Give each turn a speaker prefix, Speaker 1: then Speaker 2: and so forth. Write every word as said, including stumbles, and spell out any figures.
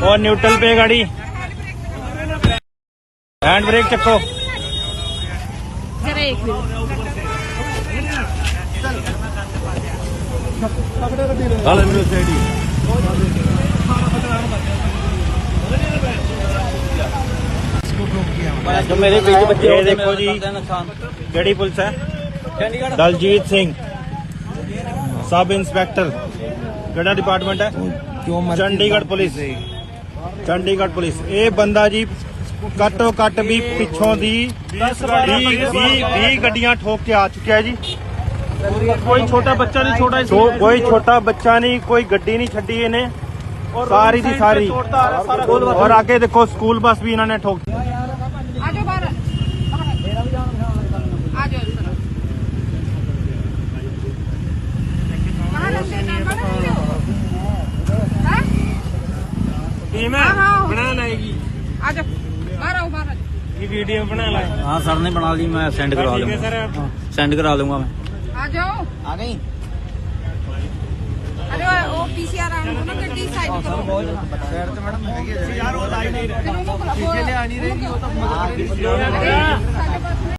Speaker 1: और न्यूट्रल पे गाड़ी, हैंड ब्रेक चक्को।
Speaker 2: जो मेरे बीच बच्चे
Speaker 1: ये देखो जी केड़ी पुलिस है, दलजीत सिंह सब इंस्पेक्टर, केड़ा डिपार्टमेंट है, चंडीगढ़ पुलिस। चंडीगढ़ पुलिस ये बंदा जी घट्टो घट भी पिछों दी बीस गड्डियां ठोक के आ चुका है जी।
Speaker 3: कोई छोटा बच्चा नहीं छोड़ा
Speaker 1: तो कोई छोटा बच्चा नहीं, कोई गड्डी नहीं छड़ी इन्हें, सारी दी सारी। और आगे देखो स्कूल बस भी इन्होंने ठोक।
Speaker 4: आजो बाहर आजो कहाँ लगते हैं
Speaker 3: टीम है बना लाएगी।
Speaker 4: आजो बाहर आओ बाहर
Speaker 3: ये वीडियो बना लाए।
Speaker 2: हाँ सर ने बना ली, मैं सेंड करवा
Speaker 3: ठीक है
Speaker 2: दूंगा,
Speaker 3: सर।
Speaker 2: सेंड करा दूंगा मैं।
Speaker 4: आ जाओ।
Speaker 2: आ गई।
Speaker 4: अरे वो पीसीआर आने दो ना, गड्डी साइड करो।
Speaker 3: यार वो लाई नहीं रहा।
Speaker 4: पीछे ले आनी रहेगी वो तो मदद करेगी।